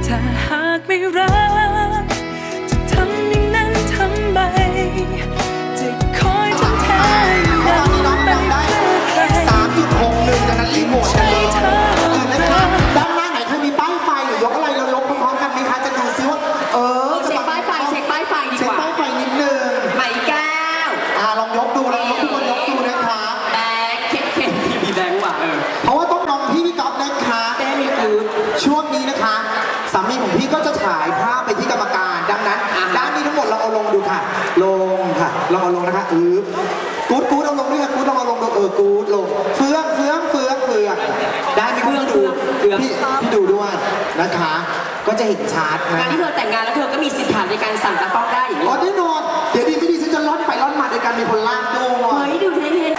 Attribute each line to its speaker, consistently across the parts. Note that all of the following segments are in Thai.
Speaker 1: ถ้าหากไม่รักจะทำอย่างนั้นทำไมจะคอยทำแทนนั้นไปเพื่อใคร
Speaker 2: 3.61 นะคะรีโมทกันเลยนะคะด้านหน้าไหนใครมีป้ายไฟหรือยกอะไรเรายกพร้อมๆกันไหมคะจะดูซิว่า
Speaker 3: เช็คป้ายไฟดีกว่าเช็คป้าย
Speaker 2: ไฟนิดนึง
Speaker 3: ไหมแก้ว
Speaker 2: ลองยกดูลองยกทุกคนยกดูนะคะ
Speaker 3: แบงค์เข็มมีแบงค์ว่ะ
Speaker 2: เพราะว่าต้องน้องพี่ก๊อฟนะคะ
Speaker 3: แก้มีคือ
Speaker 2: ช่วงนี้นะคะสามีของพี่ก็จะฉายภาพไปที่กรรมการดังนั้นด้านนี้ทั้งหมดเราเอาลงดูค่ะลงค่ะเราเอาลงนะคะกู๊ดเอาลงด้วยค่ะกู๊ดลองเอาลงดูกู๊ดลงเฟืองได้ไหมพี่ดูด้วยนะคะก็จะเห็นชัดนะ
Speaker 3: การที่เธอแต่งงานแล้วเธอก็มีสิทธิ์ฐานในการสั่งตากล้องได้อย่างนี้
Speaker 2: แน่นอนเดี๋ยวดีไม่ดีฉันจะล่อนไปล่อนมาโดยการมีคนลากดู
Speaker 3: เฮ้ยดูเท่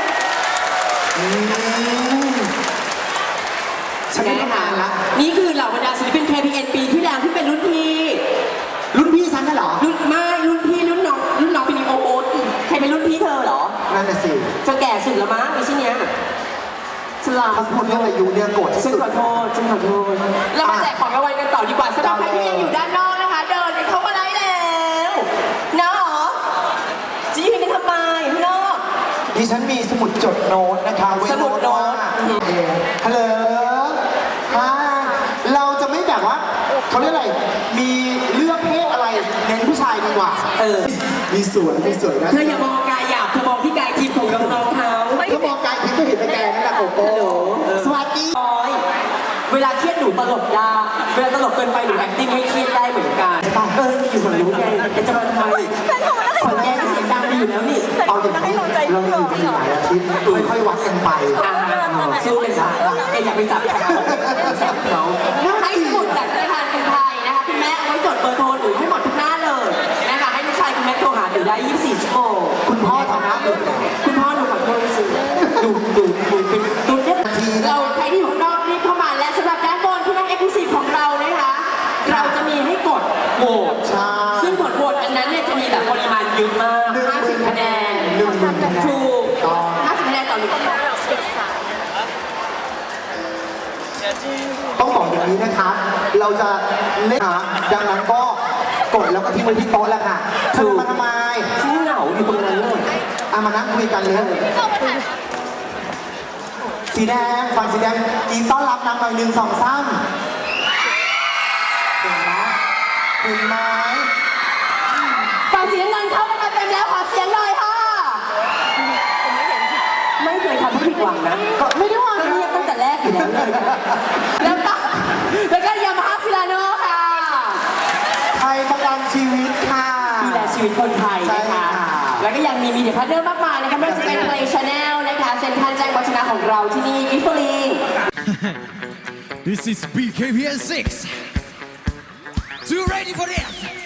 Speaker 2: ฉันไม่ทานละ
Speaker 3: นี่คือเหล่าบรรดาศิลปิน KPN ปีที่แล้วที่เป็นรุ่นพี่
Speaker 2: ฉันน่ะเหรอ
Speaker 3: รุ่นพี่รุ่นน้องเป็นโอ๊ตใครเป็นรุ่นพี่เธอเหรอ
Speaker 2: นั่นน่ะสิ
Speaker 3: เธอแก่สุดแล้วมั้งในชิ้นเนี้ย
Speaker 2: ถ้าพูดเรื่องอายุเนี่ยโกรธที่สุด
Speaker 3: ฉันขอโทษเรามาแจกของรางวัลกันต่อดีกว่าสำหรับใครที่ยังอยู่ด้านนอกนะคะเดินเข้ามาได้แล้วนะหรอจะยืนกันทำไมพี่นอก
Speaker 2: ดิฉันมีสมุดจดโน้ตนะคะ
Speaker 3: สมุดโน้ต
Speaker 2: ฮัลโหลเราจะไม่แบบว่าเขาเรียกอะไรมีเลือกเพศอะไรเน้นผู้ชายดีกว่ามีสวยนะ
Speaker 3: เธออย่ามองกายหยาบเธอมองที่กายทิพย์ของน้องเขา
Speaker 2: ถ้ามองกายทิพย์ก็เห็นแต่แกนั่นแหละโอ้โหสวัสดี
Speaker 3: เวลาเครียดหนูตลกได้เวลาตลกเกินไปหนูแอคติ้งไม่เครียดได้เหมือนกันอยู่คนรู้ไงจะมาทำไมขอนแก้เสียงดังดีอยู่แล้วนี่
Speaker 2: เอาอย่างนี้เราอยู่กันหลายอาทิตย์ค่อยๆวัดกันไป
Speaker 3: สู้กันค่ะอย่าไปจับเขาให้สมุดจากธนาคารกรุงไทยนะคะคุณแม่เอาไว้จดเบอร์โทรหนูให้หมดทุกหน้าเลยนะคะให้ลูกชายคุณแม่โทรหาหนูได้24 ชั่วโมง
Speaker 2: คุณพ่อทำนะ
Speaker 3: คุณพ่อหนูขอโทษสิดูเป็นเนี่ยเราใครที่อยู่ข้างนอกรีบเข้ามาและสำหรับด้านบนที่นั่ง Exclusive ของเรานะคะเราจะมีให้กดโหวตซึ่งผลโหวตอันนั้นเนี่ยจะมีแบบปริมาณเยอะมาก50 คะแนนถูก50 คะแนนต่อ1
Speaker 2: ต้องบอกอย่างนี้นะคะเราจะเล่นดังนั้นก็กดแล้วก็ทิ้งไว้ที่โต๊ะแล้วค่ะมาทำไม
Speaker 3: ที่เหงาอยู่ตรงนั้นเลย
Speaker 2: มานั่งคุยกันเลยสีแดงฝั่งสีแดงกินต้อนรับนางหน่อย1 2 3เห็นไหม
Speaker 3: ฝั่งสีน้ำเงินเข้ามาเต็มแล้วขอเสียงหน่อยค่ะไม่เคยทำให้ผิดหวังนะ
Speaker 2: ก็ไม่ได้ว่า
Speaker 3: เงียบตั้งแต่แรกอยู่แล้วเลยแล้วก็ยามาฮ่าฟิลาโน่ค่ะ
Speaker 2: ไทยประกันชีวิตค่ะ
Speaker 3: ดูแลชีวิตคนไทยนะคะแล้วก็ยังมีมีเดียพาร์ทเนอร์มากมายนะคะไม่ว่าจะเป็น Play Channel นะคะเซ็นทรัลแจ้งวัฒนะของเราที่นี่กิฟต์ลีน
Speaker 4: This is BKPN 6 You ready for this